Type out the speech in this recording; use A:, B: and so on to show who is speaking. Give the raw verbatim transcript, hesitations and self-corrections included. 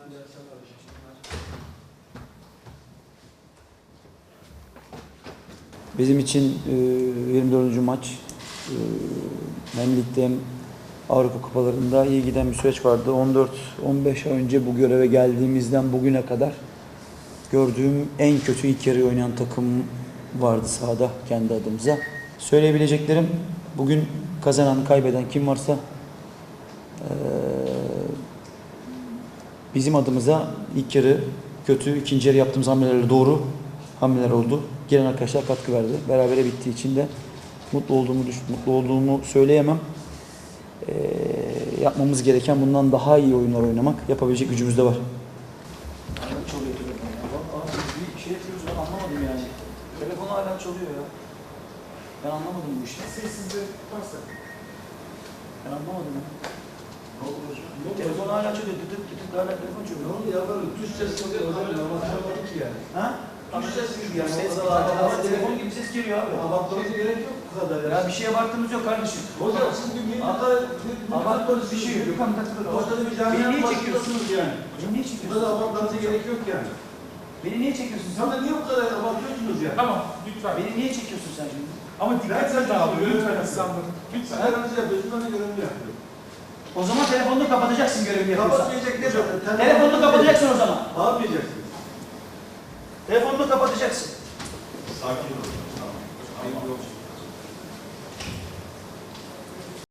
A: Bizim için e, yirmi dördüncü maç e, hem ligde hem Avrupa Kupalarında iyi giden bir süreç vardı. on dört on beş ay önce bu göreve geldiğimizden bugüne kadar gördüğüm en kötü ilk yarı oynayan takım vardı sahada kendi adımıza. Söyleyebileceklerim, bugün kazanan, kaybeden kim varsa e, bizim adımıza ilk yarı kötü, ikinci yarı yaptığımız hamlelerle doğru hamleler oldu. Giren arkadaşlar katkı verdi. Berabere bittiği için de mutlu olduğumu mutlu olduğumu söyleyemem. Ee, yapmamız gereken bundan daha iyi oyunlar oynamak. Yapabilecek gücümüz de var. Bir şey yapıyoruz, ben anlamadım yani. Telefon hala çalıyor ya. Ben anlamadım bu işi.
B: Sessizde tutarsa.
A: Ben anlamadım ya.
B: Ne oldu hocam?
A: Telefon hala çalıyor. Dıdık dıdık hala telefon çalıyor.
B: Ne oldu ya? Böyle tuş sesi oluyor. Öyle anlatamadık ki yani.
A: Ha?
B: Tuş sesi gibi yani.
A: Ses,
B: O kadar
A: ama
B: abartmanıza
A: telefon
B: gerek-
A: gibi ses geliyor abi.
B: Abartmanıza gerek yok bu kadar ya.
A: Ya bir şeye baktığımız yok kardeşim.
B: Hocam siz bir bir kadar
A: Abartmanız bir şey yok. Gökhan takılır.
B: Ortada bir
A: Beni
B: camianın
A: niye çekiyorsun?
B: başındasınız yani.
A: Beni niye
B: Burada
A: çekiyorsun?
B: da abartmanıza gerek yok yani.
A: Beni niye çekiyorsun sen?
B: Sana niye bu kadar abartıyorsunuz yani?
C: Tamam, lütfen.
A: Beni niye çekiyorsun sen şimdi?
C: Ama dikkat
B: Ben-
C: edin abi, lütfen İstanbul'un.
B: Sen
C: Lütfen.
B: aranızı yapıyorsun, ben de görevimi yapıyorum.
A: O zaman telefonunu kapatacaksın görevini yapıyorsan.
B: Kapatmayacak ne böyle?
A: Telefonunu kapatacaksın o zaman.
B: Ne yapacaksın?
A: Telefonunu kapatacaksın.
B: Sakin ol. Tamam. Sakin ol.